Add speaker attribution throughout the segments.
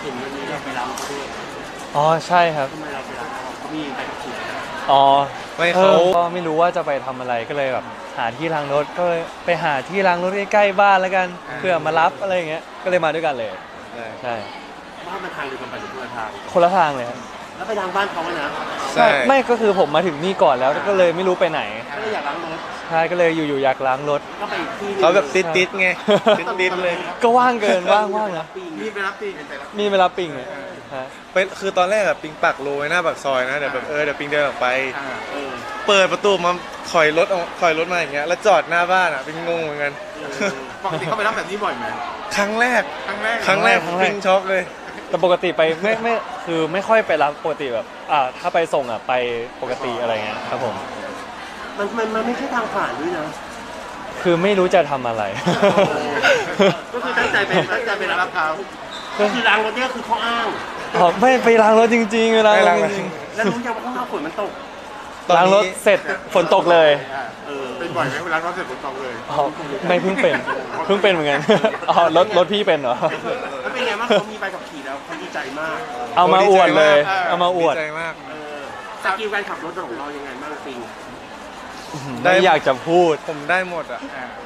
Speaker 1: ห็นวันนี้เราไปล้างเขาด้วย
Speaker 2: อ๋อใช่ครับ
Speaker 1: ทำไมเราไปล้างเขามีใบขับขี่
Speaker 2: อ๋อ
Speaker 3: ไม่เขา
Speaker 2: ก็ไม่รู้ว่าจะไปทำอะไรก็เลยแบบหาที่ล้างรถก็เลยไปหาที่ล้างรถใกล้ๆบ้านแล้วกันเพื่อมารับอะไรอย่างเงี้ยก็เลยมาด้วยกันเลยใช่
Speaker 1: บ้านมันทางเดียวกันไปหรือคนละทาง
Speaker 2: คนละทางเลยครับ
Speaker 1: แล้วไปล้างบ้านเขานะ
Speaker 3: ใช่
Speaker 2: ไม่ก็คือผมมาถึงนี่ก่อนแล้วก็เลยไม่รู้ไปไหน
Speaker 1: ก็เลยอยากล้างรถ
Speaker 2: ใช่ก็เลยอยู่ๆอยากล้างรถ
Speaker 1: ก็ไปที่
Speaker 3: เขาแบบติดไงติดเลย
Speaker 2: ก็ว่างเกินว่างนะ
Speaker 1: มีไปรับปี
Speaker 2: มีเวลาปิ่งเลย
Speaker 3: เป็นคือตอนแรกแบบปิงปักโรยหน้าปากซอยนะเดี๋ยวแบบเดี๋ยวปิงเดินออกไปเปิดประตูมาถอยรถมาอย่างเงี้ยแล้วจอดหน้าบ้านอ่ะปิงงงเหมือนกัน
Speaker 1: ปกติเขาไปรับแบบนี้บ่อยไหม
Speaker 3: ครั้งแรกปิงช็อกเลย
Speaker 2: แต่ปกติไปไม่คือไม่ค่อยไปรับปกติแบบถ้าไปส่งไปปกติอะไรเงี้ยครับผม
Speaker 1: มันไม่ใช่ทางผ่านด้วยนะ
Speaker 2: คือไม่รู้จะทำอะไร
Speaker 1: ก็คือตั้งใจไปรับเขาก็คือล้างรถเนี่ยคือข้ออ้าง
Speaker 2: ไม่ไปล้างรถจริงๆเวลาจริง
Speaker 1: แล้วรู้ยังว่าข้างนอกฝนมันตก
Speaker 2: ล้างรถเสร็จฝนตกเลย
Speaker 1: เป็นบ่อยไหมเวลาล้างรถเสร็จฝนตกเลย
Speaker 2: ไม่เพิ่งเป็นเหมือนกันรถพี่เป็นเหรอ
Speaker 1: แล้วเป็นไงบ้างเขามีใบขับขี่แล้วเขาดีใจมาก
Speaker 2: เอามาอวดเลยเอามาอวด
Speaker 3: ดีใจมาก
Speaker 1: สกิลการขับรถของเรายังไงบ้างปิง
Speaker 2: ได้อยากจะพูด
Speaker 3: ผมได้หมดอ่ะ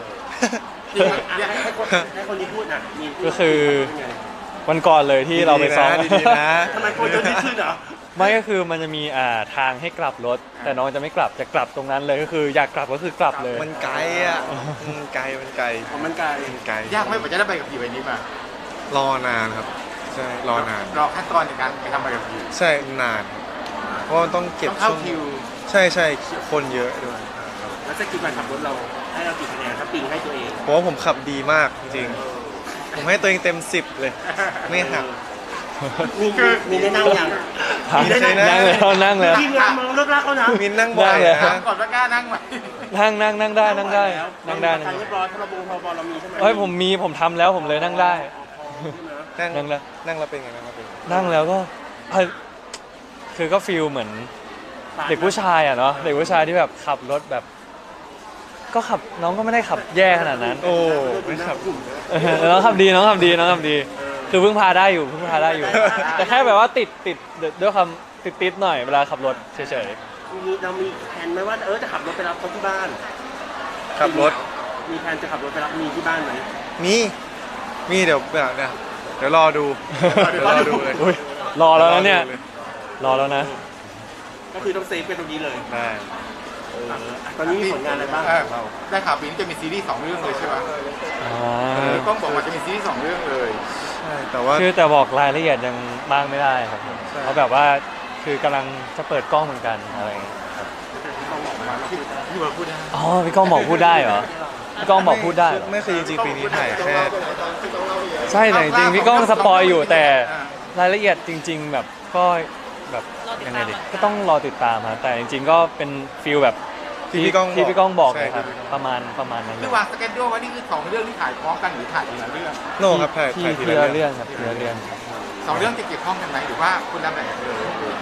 Speaker 1: ให้คนนี้พูดอ่ะ
Speaker 2: ก็คือวันก่อนเลยที่เราไปซ้อม
Speaker 3: ดีนะ
Speaker 1: ทำไมคนจะไม่ขึ้นเหรอ
Speaker 2: ไม่ก็คือมันจะมีทางให้กลับรถแต่น้องจะไม่กลับจะกลับตรงนั้นเลยก็คืออยากกลับก็คือกลับเลย
Speaker 3: มันไกลอ่ะมันไกล
Speaker 1: มันไกลยากไหมกว่าจะได้ใบขับขี่ใบนี้ม
Speaker 3: ารอนานครับใช่รอนาน
Speaker 1: รอขั้นตอนในการไปทำใบขับขี่
Speaker 3: ใช่นานเพราะต้องเก็บ
Speaker 1: ช่วงคิว
Speaker 3: ใช่คนเยอะด้วย
Speaker 1: แล้วสกิลการขับรถเราให้เรากี่คะแนนถ้าปิงให้ตัวเอง
Speaker 3: เพราะว่าผมขับดีมากจริงๆผมให้ตัวเองเต็ม10เลยไม่หัก
Speaker 1: มีได้นั่งยัง
Speaker 2: มีได้นั่งเลย
Speaker 1: ทีมงานมองเลิกลักเขานะ
Speaker 3: มีนั่งบ่อยนะ
Speaker 1: ก่อนแล้วกล้านั่งไหม
Speaker 2: นั่งได้
Speaker 1: การเรียบร้อยพรบเรามีใช่ไหม
Speaker 2: ผมทำแล้วผมเลยนั่งได้
Speaker 3: นั่งแล้วเป็นไงนะครับ
Speaker 2: นั่งแล้วก็คือก็ฟีลเหมือนเด็กผู้ชายเนาะเด็กผู้ชายที่แบบขับรถแบบก็ขับน้องก็ไม่ได้ขับแย่ขนาดนั้น
Speaker 3: โอ้ไม่ขับ
Speaker 2: น้องขับดีคือเพิ่งพาได้อยู่แต่แค่แบบว่าติดด้วยความติดหน่อยเวลาขับรถเฉย
Speaker 1: ๆเรามีแผนไหมว่าจะขับรถไปรับเขาที่บ้าน
Speaker 3: ขับรถ
Speaker 1: มีแผนจะขับรถไปรับมีที่บ้านไหม
Speaker 3: มีเดี๋ยวรอดูเลย
Speaker 2: รอแล้วนะเนี่ยรอแล้วนะ
Speaker 1: ก็คือต้องเซฟกันตรงนี้เลย
Speaker 3: ได้
Speaker 1: ตอนนี้มีผลงานอะไรบ้างได้ข่าวปีนี้จะมีซีรีส์2 เรื่องเลยใช่ไหมต้องบอกว่าจะมีซีรีส์2 เรื่องเลย
Speaker 3: ใช่แต่ว่า
Speaker 2: แต่บอกรายละเอียดยังมากไม่ได้ครับเพราะแบบว่าคือกำลังจะเปิดกล้องเหมือนกันอะไรอย่างเงี้ย
Speaker 1: พี่บอกพูดได้
Speaker 2: พี่ก้องบอกพูดได้เหรอพี่ก้องบอกพูดได้
Speaker 3: ไม่คือจริงๆปีนี้ถ่ายแค่
Speaker 2: ใช่แต่จริงพี่ก้องสปอยอยู่แต่รายละเอียดจริงๆแบบก็แบบยังไงดิก็ต้องรอติดตามครับแต่จริงๆก็เป็นฟีลแบบที่พี่ก้องบอกนะครับประมาณนั้น
Speaker 1: คือวางสเก็ตด้วยว่านี่คือ2 เรื่องที่ถ่ายพร้อมกันหรือถ่ายทีละเรื่อง
Speaker 3: โน่ครับถ่าย
Speaker 2: ทีละเรื่องครับทีละเรื่อง
Speaker 1: 2 เรื่องจะเกี่ยวข้องกันไหมหรือว่าคุณละแบบเลย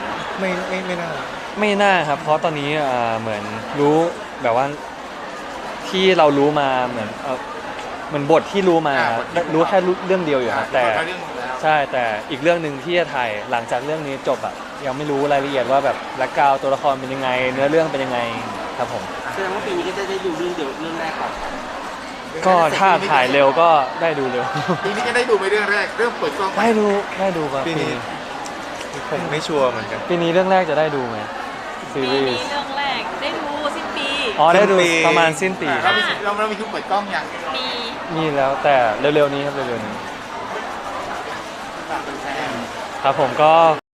Speaker 3: ไม่
Speaker 2: น่าครับเพราะตอนนี้เหมือนรู้แบบว่าที่เรารู้มาเหมือนบทที่รู้มารู้แค่เรื่องเดียวอยู่ครับแต่ใช่แต่อีกเรื่องนึงที่จะถ่ายหลังจากเรื่องนี้จบยังไม่รู้รายละเอียดว่าแบบแบ็คกราวด์ตัวละครเป็นยังไงเนื้อเรื่องเป็นยังไงครับผม
Speaker 1: แสดงว่าปีนี้ก็จะได้ดูเรื่องเดียวเรื่องแรกก่อน
Speaker 2: ก็ถ้าถ่ายเร็วก็ได้ดูเร็ว
Speaker 1: ปีนี้จะได้ดูไหมเรื่องแรกเรื่องเปิดกล้อง
Speaker 2: ได้ดูครับ
Speaker 3: ปีนี้ผมไม่ชัวร์เหมือนกัน
Speaker 2: ปีนี้เรื่องแรกจะได้ดูไหมซีรีส์
Speaker 4: เรื่องแรกได้ดูสิ้นปี
Speaker 2: ได้ดูประมาณสิ้นปี
Speaker 1: เรามีทุกเปิดกล้องยัง
Speaker 4: มี
Speaker 2: แล้วแต่เร็วๆนี้ครับเร็วๆนี้ครับผมก็